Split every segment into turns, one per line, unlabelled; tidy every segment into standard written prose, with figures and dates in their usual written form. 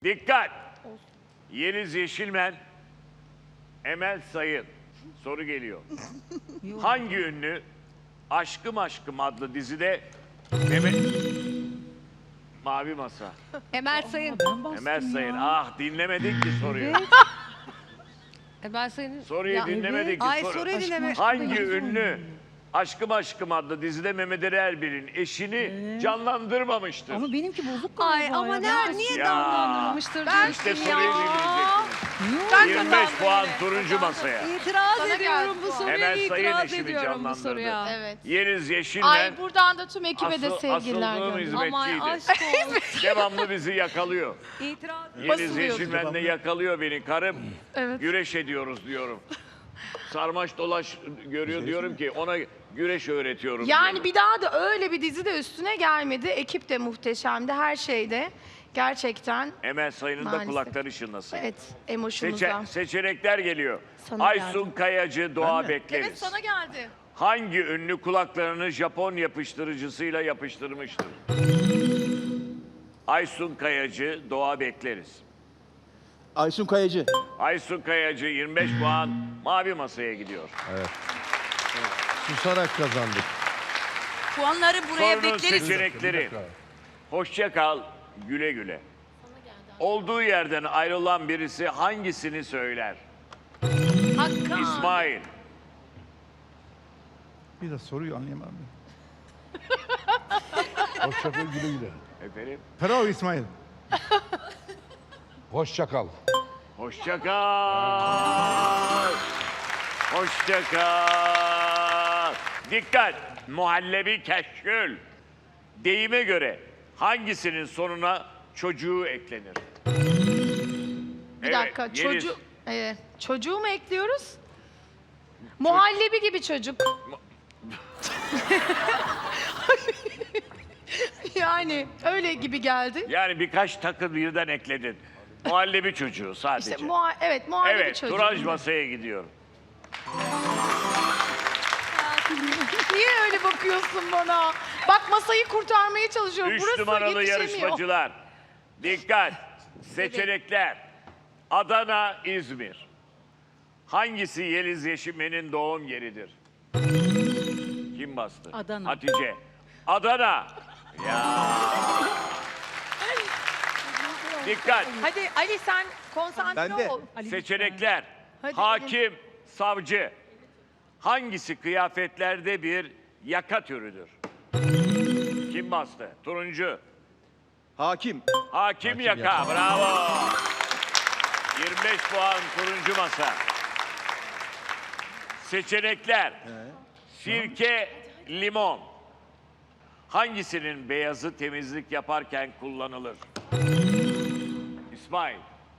Dikkat! Yeliz Yeşilmen, Emel Sayın. Soru geliyor. Hangi ünlü Aşkım Aşkım adlı dizide Mavi Masa.
Emel Sayın.
Emel Sayın. Ah dinlemedik ki soruyu.
Emel Sayın'ın...
Soruyu
Ya,
dinlemedik ki
Ay
soru.
soruyu dinleme.
Hangi ünlü Aşkım Aşkım adlı dizide Mehmet Ali Erbil'in eşini canlandırmamıştır?
Ama benimki bozuk
Ay
galiba
ama
ya.
niye
Ya.
Canlandırılmıştır
İşte
diyorsun
soruyu
ya.
dinleyeceksiniz. 25 puan turuncu masaya.
İtiraz
Sana
ediyorum
geldi
bu
bu.
soruya.
Emel Sayın
İtiraz
eşini
ediyorum bu
canlandırdı.
soruya.
Evet.
Yeliz Yeşilmen
Ay buradan da tüm ekibe de sevgiler
asıldığım
gönderiyorum.
Aman
hizmetçiydi.
aşk olsun.
Devamlı bizi yakalıyor.
İtiraz.
Yeliz Yeşilmen de yakalıyor beni. Karım
Evet.
güreş ediyoruz diyorum. Sarmaş dolaş görüyor diyorum ki ona güreş öğretiyorum.
Yani
diyorum.
bir daha da öyle bir dizi de üstüne gelmedi. Ekip de muhteşemdi, her şeyde. Gerçekten
Emel Sayın'ın da
Maalesef.
kulakları çınlasın.
evet emoşumuzda.
Seçenekler geliyor.
Sana
Aysun Kayacı, Doğa Bekleriz.
Evet sana geldi.
Hangi ünlü kulaklarını Japon yapıştırıcısıyla yapıştırmıştır? Aysun Kayacı, Doğa Bekleriz.
Aysun Kayacı.
Aysun Kayacı 25 puan Mavi Masa'ya gidiyor.
Susarak kazandık.
Puanları buraya
Sorunun
bekleriz.
seçenekleri. Hoşça kal, güle güle. Olduğu yerden ayrılan birisi hangisini söyler?
Hakan.
İsmail,
Bir de soruyu anlayamadım.
Hoşçakal güle güle.
efendim.
Bravo İsmail.
Hoşçakal.
Hoşça kal. Hoşça kal. Dikkat! Muhallebi keşkül. Deyime göre hangisinin sonuna çocuğu eklenir?
Bir dakika,
Yeliz.
çocuğu mu ekliyoruz? Muhallebi gibi çocuk. Yani öyle gibi geldi.
Yani birkaç takı birden ekledin. Muhallebi çocuğu sadece.
İşte evet muhallebi
Evet,
çocuğu.
Turanj masaya gidiyorum.
Niye öyle bakıyorsun bana? Bak masayı kurtarmaya çalışıyorum.
3
Burası
numaralı
yetişemiyor.
yarışmacılar. Dikkat! Seçenekler. Adana, İzmir. Hangisi Yeliz Yeşilmen'in doğum yeridir? Kim bastı?
Adana.
Hatice. Adana. Ya. Dikkat.
Hadi Ali sen konsantre
Ben de.
ol.
Seçenekler.
Hadi
Hakim, savcı. Hangisi kıyafetlerde bir yaka türüdür? Kim bastı? Turuncu.
Hakim.
Hakim yaka. Bravo. 25 puan turuncu masa. Seçenekler. Sirke, limon. Hangisinin beyazı temizlik yaparken kullanılır? İsmail.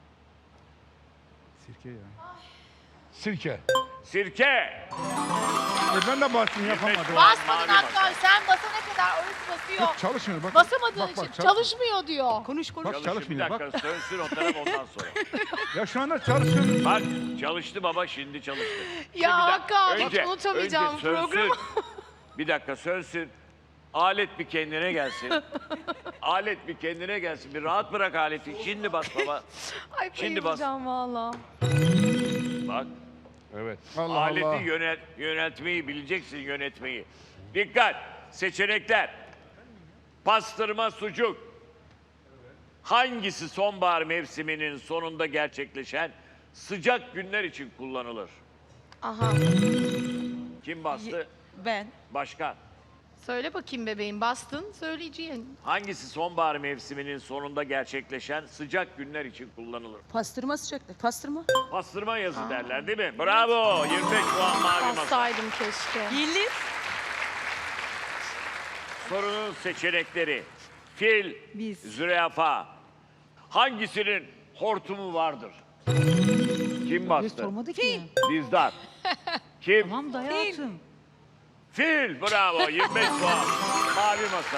Sirke ya.
Sirke.
Sirke.
Ben de bastım
25
yapamadım.
puan
Basmadın
mavi
hatta
masa.
sen basana kadar orası basıyor.
Yok çalışmıyor bak.
Basamadığın
bak,
için
çalışmıyor.
çalışmıyor diyor.
Konuş.
Bak
Çalışın, bir
çalışmıyor bak.
dakika sönsün o taraf ondan sonra.
Ya şu anda çalışıyor.
Bak çalıştı baba şimdi çalıştı.
Ya Hakan hiç
önce
unutamayacağım
sönsün.
programı.
Bir dakika sönsün. Alet bir kendine gelsin. Alet bir kendine gelsin. Bir rahat bırak aleti. Şimdi bas baba.
Ay
Şimdi bas.
bayılacağım valla.
Bak.
Evet.
Allah
Aleti
Allah.
yönetmeyi bileceksin yönetmeyi. Dikkat. Seçenekler. Pastırma sucuk. Hangisi sonbahar mevsiminin sonunda gerçekleşen sıcak günler için kullanılır?
Aha.
Kim bastı?
Ben.
Başkan.
Söyle bakayım bebeğim bastın söyleyeceğim.
Hangisi sonbahar mevsiminin sonunda gerçekleşen sıcak günler için kullanılır?
Pastırma sıcaklık. Pastırma.
Pastırma yazı derler değil mi? Bravo! 25 puan mavi masa.
Bassaydım keşke.
Yeliz.
Sorunun seçenekleri. Fil, zürafa. Hangisinin hortumu vardır? Kim
Bir
bastı?
sormadı ki.
Dizdar. Kim?
Tamam da hayatım.
Fil. Bravo. 25 puan. Mavi masa.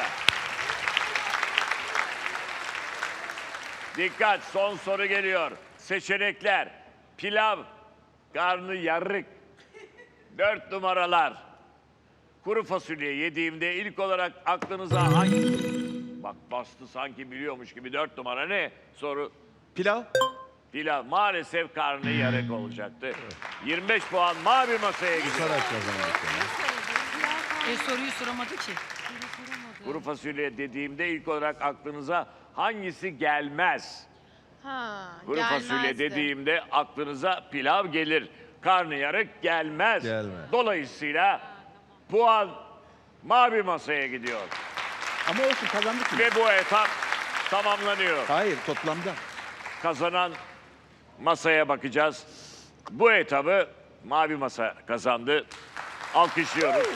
Dikkat. Son soru geliyor. Seçenekler. Pilav, karnı yarık. 4 numaralar. Kuru fasulye yediğimde ilk olarak aklınıza hangi... Bak bastı sanki biliyormuş gibi 4 numara ne? Soru.
Pilav.
Pilav maalesef karnı yarık olacaktı. 25 puan mavi masaya gidiyor.
Soruyu soramadı ki.
Kuru fasulye dediğimde ilk olarak aklınıza hangisi gelmez?
Ha,
Kuru fasulye dediğimde aklınıza pilav gelir. Karnıyarık gelmez.
Gelmez.
Dolayısıyla puan mavi masaya gidiyor.
Ama olsun kazandık mı?
Ve bu etap tamamlanıyor.
Hayır toplamda.
Kazanan masaya bakacağız. Bu etabı mavi masa kazandı. Alkışlıyoruz.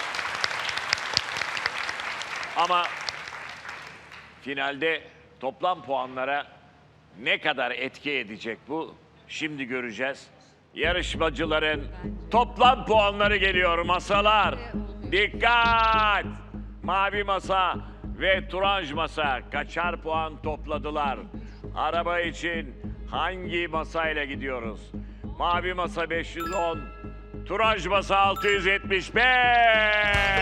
Ama finalde toplam puanlara ne kadar etki edecek bu? Şimdi göreceğiz. Yarışmacıların toplam puanları geliyor masalar. Dikkat! Mavi masa ve turanj masa kaçar puan topladılar? Araba için hangi masayla gidiyoruz? Mavi masa 510, turanj masa 675.